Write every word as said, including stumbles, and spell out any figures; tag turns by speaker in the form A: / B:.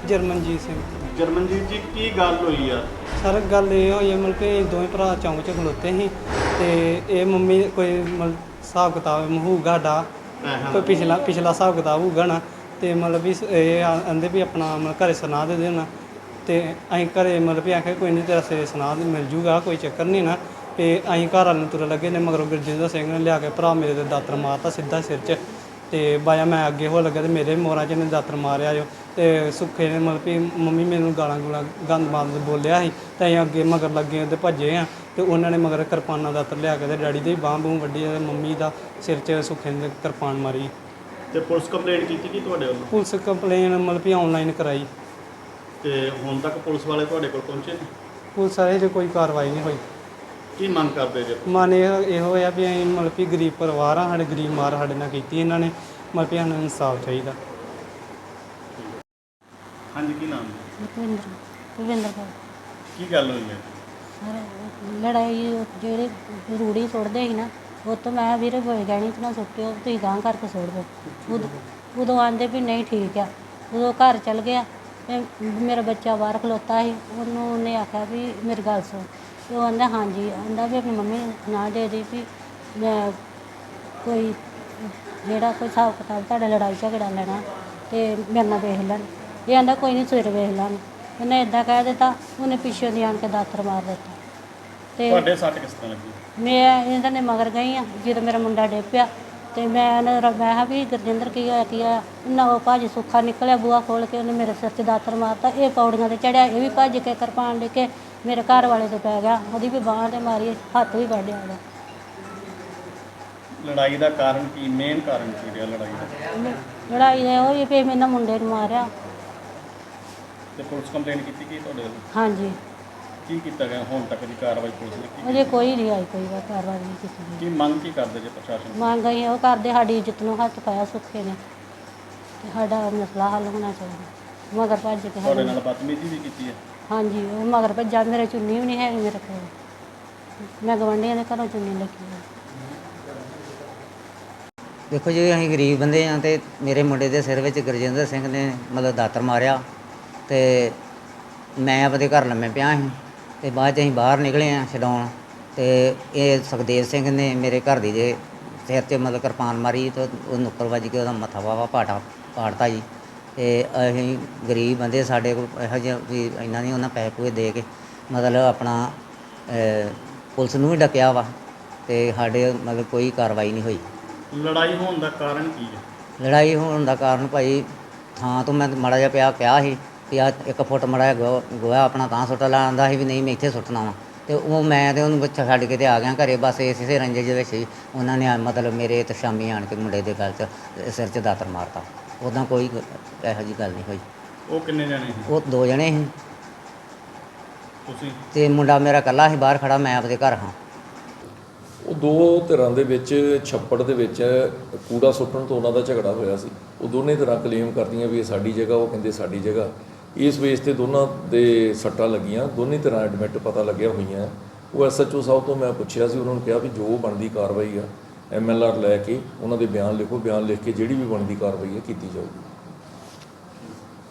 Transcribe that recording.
A: ਜਰਮਨਜੀਤ ਸਿੰਘ।
B: ਜਰਮਨਜੀਤ ਜੀ ਕੀ ਗੱਲ ਹੋਈ ਆ?
A: ਸਰ ਗੱਲ ਇਹ ਹੋਈ ਹੈ, ਮਤਲਬ ਕਿ ਦੋਵੇਂ ਭਰਾ ਚੌਂਕ 'ਚ ਖਲੋਤੇ ਸੀ ਤੇ ਇਹ ਮੰਮੀ ਕੋਈ ਮਤਲਬ ਹਿਸਾਬ ਕਿਤਾਬ ਹੋਊਗਾ ਸਾਡਾ, ਕੋਈ ਪਿਛਲਾ ਪਿਛਲਾ ਹਿਸਾਬ ਕਿਤਾਬ ਹੋਊਗਾ ਨਾ, ਤੇ ਮਤਲਬ ਵੀ ਇਹ ਆਂਦੇ ਵੀ ਆਪਣਾ ਮਤਲਬ ਘਰੇ ਸੁਣਾ ਦੇ ਦੇਣਾ, ਤੇ ਅਸੀਂ ਘਰੇ ਮਤਲਬ ਵੀ ਆਖਿਆ ਕੋਈ ਨਹੀਂ ਤੇਰਾ ਸੇ ਸੁਣਾ ਮਿਲ ਜੂਗਾ, ਕੋਈ ਚੱਕਰ ਨਹੀਂ ਨਾ। ਤੇ ਅਸੀਂ ਘਰ ਵਾਲ ਨੂੰ ਤੁਰਨ ਲੱਗੇ ਨੇ, ਮਗਰੋਂ ਗੁਰਜਿੰਦਰ ਸਿੰਘ ਨੇ ਲਿਆ ਕੇ ਭਰਾ ਮੇਰੇ ਦੇ ਦਾਤਰ ਮਾਰਤਾ ਸਿੱਧਾ ਸਿਰ 'ਚ, ਤੇ ਬਾਇਆ ਮੈਂ ਅੱਗੇ ਹੋ ਲੱਗਾ ਤੇ ਮੇਰੇ ਮੋਰਾਂ 'ਚ ਨੇ ਦਾਤਰ ਮਾਰਿਆ ਜੋ, ਤੇ ਸੁੱਖੇ ਨੇ ਮਤਲਬ ਵੀ ਮੰਮੀ ਮੈਨੂੰ ਗਾਲਾਂ ਗੂਲਾਂ ਗੰਦ ਮਾਰ ਬੋਲਿਆ ਸੀ, ਤੇ ਅਸੀਂ ਅੱਗੇ ਮਗਰ ਲੱਗੇ ਤੇ ਭੱਜੇ ਆ, ਤੇ ਉਹਨਾਂ ਨੇ ਮਗਰ ਕਿਰਪਾਨਾਂ ਦਾਤਰ ਲਿਆ ਕੇ ਤੇ ਡੈਡੀ ਦੇ ਬਾਂਹ ਬੂਹ ਵੱਢੀ ਤੇ ਮੰਮੀ ਦਾ ਸਿਰ 'ਚ ਸੁੱਖੇ ਨੇ ਕਿਰਪਾਨ ਮਾਰੀ।
B: ਤੇ ਪੁਲਿਸ ਕੰਪਲੇਂਟ ਕੀਤੀ ਕਿ ਤੁਹਾਡੇ ਵੱਲੋਂ?
A: ਪੁਲਿਸ ਕੰਪਲੇਨ ਮਤਲਬ ਵੀ ਆਨਲਾਈਨ ਕਰਾਈ।
B: ਤੇ ਹੁਣ ਤੱਕ ਪੁਲਿਸ ਵਾਲੇ ਤੁਹਾਡੇ ਕੋਲ ਪਹੁੰਚੇ ਨੇ?
A: ਪੁਲਿਸ ਵਾਲੇ 'ਚ ਕੋਈ ਕਾਰਵਾਈ ਨਹੀਂ ਹੋਈ।
B: ਕੀ ਮੰਗ ਕਰਦੇ ਜੇ?
A: ਮਨ ਇਹ ਇਹੋ ਆ ਵੀ ਅਸੀਂ ਮਤਲਬ ਵੀ ਗਰੀਬ ਪਰਿਵਾਰ ਆ, ਸਾਡੇ ਗਰੀਬ ਮਾਰ ਸਾਡੇ ਨਾਲ ਕੀਤੀ ਇਹਨਾਂ ਨੇ, ਮਤਲਬ ਵੀ ਸਾਨੂੰ ਇਨਸਾਫ ਚਾਹੀਦਾ।
B: ਹਾਂਜੀ, ਕੀ ਨਾਮ ਹੈ?
C: ਭੁਪਿੰਦਰ ਭੁਪਿੰਦਰ ਕੌਰ।
B: ਕੀ ਗੱਲ ਹੋਈ ਹੈ?
C: ਸਰ ਲੜਾਈ ਜਿਹੜੇ ਰੂੜੀ ਸੁੱਟਦੇ ਸੀ ਨਾ, ਉਹ ਤੋਂ ਮੈਂ ਵੀਰੇ ਕੋਈ ਗਹਿਣੀ 'ਚ ਨਾ ਸੁੱਟਿਓ, ਤੁਸੀਂ ਗਾਂਹ ਕਰਕੇ ਸੁੱਟ ਦਿਓ। ਉਦੋਂ ਉਦੋਂ ਆਂਦੇ ਵੀ ਨਹੀਂ ਠੀਕ ਆ। ਉਦੋਂ ਘਰ ਚਲ ਗਿਆ ਤੇ ਮੇਰਾ ਬੱਚਾ ਬਾਹਰ ਖਲੋਤਾ ਸੀ, ਉਹਨੂੰ ਉਹਨੇ ਆਖਿਆ ਵੀ ਮੇਰੀ ਗੱਲ ਸੁਣ, ਤੇ ਉਹ ਆਂਦਾ ਹਾਂਜੀ, ਆਂਦਾ ਵੀ ਆਪਣੀ ਮੰਮੀ ਨੂੰ ਨਾ ਦੇ ਦੇ ਵੀ ਮੈਂ ਕੋਈ ਜਿਹੜਾ ਕੋਈ ਹਿਸਾਬ ਕਿਤਾਬ ਤੁਹਾਡਾ ਲੜਾਈ ਝਗੜਾ ਲੈਣਾ ਤੇ ਮੇਰੇ ਨਾਲ ਵੇਖ ਲੈਣ। ਇਹ ਆਂਦਾ ਕੋਈ ਨਹੀਂ ਸਵੇਰੇ ਵੇਖ ਲਾਂਗੇ। ਉਹਨੇ ਇੱਦਾਂ ਕਹਿ ਦਿੱਤਾ, ਉਹਨੇ ਪਿੱਛੋਂ ਦੀ ਆਣ ਕੇ ਦਾਤਰ ਮਾਰ ਦਿੱਤਾ। ਤੇ
B: ਤੁਹਾਡੇ ਸੱਟ ਕਿਸ ਤਰ੍ਹਾਂ ਲੱਗੀ?
C: ਮੈਂ ਇਹਨਾਂ ਨੇ ਮਗਰ ਗਈ ਆ, ਜਦੋਂ ਮੇਰਾ ਮੁੰਡਾ ਡਿੱਗ ਪਿਆ ਤੇ ਮੈਂ ਉਹਨੇ ਮੈਂ ਕਿਹਾ ਵੀ ਗੁਰਜਿੰਦਰ ਕੀ ਹੋਇਆ ਕੀ ਆ, ਉਹਨਾਂ ਉਹ ਭਾਜੀ ਸੁੱਖਾ ਨਿਕਲਿਆ ਬੂਹਾ ਖੋਲ੍ਹ ਕੇ, ਉਹਨੇ ਮੇਰੇ ਸਿਰ 'ਚ ਦਾਤਰ ਮਾਰਤਾ। ਇਹ ਪੌੜੀਆਂ 'ਤੇ ਚੜਿਆ, ਇਹ ਵੀ ਭੱਜ ਕੇ ਕਿਰਪਾਨ ਲੈ ਕੇ ਮੇਰੇ ਘਰ ਵਾਲੇ 'ਤੇ ਪੈ ਗਿਆ, ਉਹਦੀ ਵੀ ਬਾਂਹ 'ਤੇ ਮਾਰੀ, ਹੱਥ ਵੀ ਵੱਢਿਆ ਉਹਦਾ।
B: ਲੜਾਈ ਦਾ ਕਾਰਨ ਕੀ, ਮੇਨ ਕਾਰਨ ਕੀ ਰਿਹਾ ਲੜਾਈ ਦਾ?
C: ਲੜਾਈ ਦਾ ਉਹ ਹੀ ਵੀ ਮੇਰੇ ਮੁੰਡੇ ਨੂੰ ਮਾਰਿਆ।
B: ਤੇ ਪੁਲਿਸ ਕੰਪਲੇਂਟ ਕੀਤੀ ਕੀ ਤੁਹਾਡੇ ਵੱਲੋਂ?
C: ਹਾਂਜੀ।
B: ਕੀ ਕੀਤਾ ਗਿਆ ਹੁਣ ਤੱਕ ਦੀ ਕਾਰਵਾਈ ਪੁਲਿਸ ਨੇ ਕੀਤੀ?
C: ਅਜੇ ਕੋਈ ਨਹੀਂ ਆਈ, ਕੋਈ ਵਾਰ ਕਾਰਵਾਈ ਨਹੀਂ ਕੀਤੀ ਗਈ।
B: ਕੀ ਮੰਗ ਕੀ ਕਰਦੇ ਜੇ ਪ੍ਰਸ਼ਾਸਨ?
C: ਮੰਗ ਅਸੀਂ ਉਹ ਕਰਦੇ, ਸਾਡੀ ਇੱਜ਼ਤ ਨੂੰ ਹੱਥ ਪਾਇਆ ਸੁੱਖੇ ਨੇ, ਤੇ ਸਾਡਾ ਮਸਲਾ ਹੱਲ ਹੋਣਾ ਚਾਹੀਦਾ। ਮਗਰ ਭੱਜ ਕੇ
B: ਤੁਹਾਡੇ ਨਾਲ ਬਦਤਮੀਜ਼ੀ ਵੀ ਕੀਤੀ ਹੈ?
C: ਹਾਂਜੀ, ਉਹ ਮਗਰ ਭੱਜਾ, ਮੇਰੇ ਚੁੰਨੀ ਵੀ ਨਹੀਂ ਹੈਗੀ ਮੇਰੇ ਕੋਲ, ਮੈਂ ਗਵਾਂਢੀਆਂ ਦੇ ਘਰੋਂ ਚੁੰਨੀ ਲੱਗੀ ਹੈ।
D: ਦੇਖੋ ਜੀ, ਅਸੀਂ ਗਰੀਬ ਬੰਦੇ ਹਾਂ ਤੇ ਮੇਰੇ ਮੁੰਡੇ ਦੇ ਸਿਰ ਵਿੱਚ ਗੁਰਜਿੰਦਰ ਸਿੰਘ ਨੇ ਮਤਲਬ ਦਾਤਰ ਮਾਰਿਆ, ਤੇ ਮੈਂ ਆਪਣੇ ਘਰ ਲੰਮੇ ਪਿਆ ਸੀ, ਤੇ ਬਾਅਦ 'ਚ ਅਸੀਂ ਬਾਹਰ ਨਿਕਲੇ ਹਾਂ ਛਡਾਉਣ, ਤੇ ਇਹ ਸੁਖਦੇਵ ਸਿੰਘ ਨੇ ਮੇਰੇ ਘਰ ਦੀ ਦੇ ਸਿਰ 'ਚ ਮਤਲਬ ਕਿਰਪਾਨ ਮਾਰੀ, ਤੇ ਉਹ ਨੁੱਕਰ ਵੱਜ ਕੇ ਉਹਦਾ ਮੱਥਾ ਵਾਵਾ ਪਾਟਾ ਪਾੜਤਾ ਜੀ। ਤੇ ਅਸੀਂ ਗਰੀਬ ਬੰਦੇ, ਸਾਡੇ ਕੋਲ ਇਹੋ ਜਿਹਾ ਵੀ ਇੰਨਾ ਨਹੀਂ ਉਹਨਾਂ ਪੈਸੇ ਪੂਏ ਦੇ ਕੇ ਮਤਲਬ ਆਪਣਾ ਪੁਲਿਸ ਨੂੰ ਵੀ ਡੱਕਿਆ ਵਾ, ਤੇ ਸਾਡੇ ਮਤਲਬ ਕੋਈ ਕਾਰਵਾਈ ਨਹੀਂ ਹੋਈ।
B: ਲੜਾਈ ਹੋਣ ਦਾ ਕਾਰਨ ਕੀ ਹੈ?
D: ਲੜਾਈ ਹੋਣ ਦਾ ਕਾਰਨ ਭਾਈ, ਥਾਂ ਤੋਂ ਮੈਂ ਮਾੜਾ ਜਿਹਾ ਪਿਆ ਕਿਹਾ ਸੀ ਵੀ ਆ ਇੱਕ ਫੁੱਟ ਮਾੜਾ ਜਿਹਾ ਗੋਹਾ ਆਪਣਾ ਤਾਂ ਸੁੱਟ ਲਾ, ਆਉਂਦਾ ਸੀ ਵੀ ਨਹੀਂ ਮੈਂ ਇੱਥੇ ਸੁੱਟਣਾ ਵਾ, ਤੇ ਉਹ ਮੈਂ ਤੇ ਉਹਨੂੰ ਬੱਚਾ ਛੱਡ ਕੇ ਤੇ ਆ ਗਿਆ ਘਰੇ। ਬਸ ਇਸੇ ਰੰਜੇ ਦੇ ਵਿੱਚ ਹੀ ਉਹਨਾਂ ਨੇ ਮਤਲਬ ਮੇਰੇ ਤੇ ਸ਼ਾਮੀ ਆਣ ਕੇ ਮੁੰਡੇ ਦੇ ਗਲ 'ਚ ਸਿਰ 'ਚ ਦਾਤਰ ਮਾਰਤਾ। ਉੱਦਾਂ ਕੋਈ ਇਹੋ ਜਿਹੀ ਗੱਲ ਨਹੀਂ ਹੋਈ।
B: ਉਹ ਕਿੰਨੇ ਜਣੇ ਸੀ?
D: ਉਹ ਦੋ ਜਣੇ ਸੀ,
B: ਤੁਸੀਂ?
D: ਤੇ ਮੁੰਡਾ ਮੇਰਾ ਇਕੱਲਾ ਸੀ ਬਾਹਰ ਖੜਾ, ਮੈਂ ਆਪਣੇ ਘਰ ਹਾਂ।
E: ਉਹ ਦੋ ਧਿਰਾਂ ਦੇ ਵਿੱਚ ਛੱਪੜ ਦੇ ਵਿੱਚ ਕੂੜਾ ਸੁੱਟਣ ਤੋਂ ਉਹਨਾਂ ਦਾ ਝਗੜਾ ਹੋਇਆ ਸੀ। ਉਹ ਦੋਨੇ ਧਿਰਾਂ ਕਲੇਮ ਕਰਦੀਆਂ ਵੀ ਇਹ ਸਾਡੀ ਜਗ੍ਹਾ, ਉਹ ਕਹਿੰਦੇ ਸਾਡੀ ਜਗ੍ਹਾ। ਇਸ ਬੇਸ 'ਤੇ ਦੋਨਾਂ ਦੇ ਸੱਟਾਂ ਲੱਗੀਆਂ, ਦੋਨੇ ਧਿਰਾਂ ਐਡਮਿਟ ਪਤਾ ਲੱਗਿਆ ਹੋਈਆਂ। ਉਹ ਐਸ ਐਚ ਓ ਸਾਹਿਬ ਤੋਂ ਮੈਂ ਪੁੱਛਿਆ ਸੀ, ਉਹਨਾਂ ਨੂੰ ਕਿਹਾ ਵੀ ਜੋ ਬਣਦੀ ਕਾਰਵਾਈ ਆ ਐਮ ਐਲ ਆਰ ਲੈ ਕੇ ਉਹਨਾਂ ਦੇ ਬਿਆਨ ਲਿਖੋ, ਬਿਆਨ ਲਿਖ ਕੇ ਜਿਹੜੀ ਵੀ ਬਣਦੀ ਕਾਰਵਾਈ ਹੈ ਕੀਤੀ ਜਾਊਗੀ।